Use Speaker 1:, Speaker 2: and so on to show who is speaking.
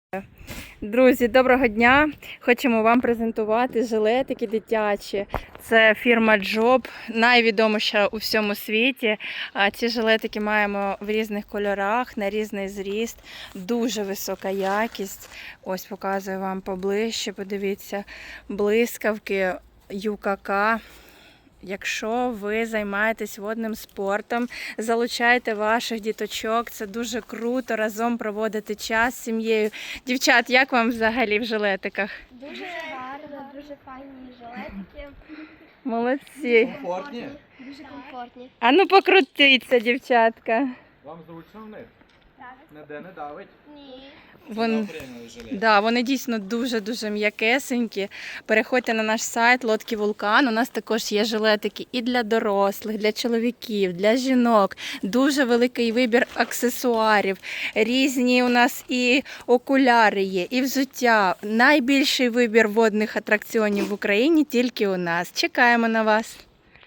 Speaker 1: Друзі, доброго дня! Хочемо вам презентувати жилетики дитячі. Це фірма Job, найвідоміша у всьому світі. Ці жилетики маємо в різних кольорах, на різний зріст. Дуже висока якість. Ось показую вам поближче. Подивіться, блискавки ЮКК. Якщо ви займаєтесь водним спортом, залучайте ваших діточок, це дуже круто, разом проводити час з сім'єю. Дівчат, як вам взагалі в жилетиках?
Speaker 2: Дуже гарно, дуже файні жилетики.
Speaker 1: Молодці.
Speaker 3: Комфортні?
Speaker 2: Дуже комфортні.
Speaker 1: А ну покрутіться, дівчатка.
Speaker 3: Вам зручно в них?
Speaker 2: Так.
Speaker 3: Ніде не давить?
Speaker 2: Ні.
Speaker 1: Вони дійсно дуже-дуже м'якесенькі. Переходьте на наш сайт Лодки Вулкан. У нас також є жилетики і для дорослих, для чоловіків, для жінок. Дуже великий вибір аксесуарів. Різні у нас і окуляри є, і взуття. Найбільший вибір водних атракціонів в Україні тільки у нас. Чекаємо на вас.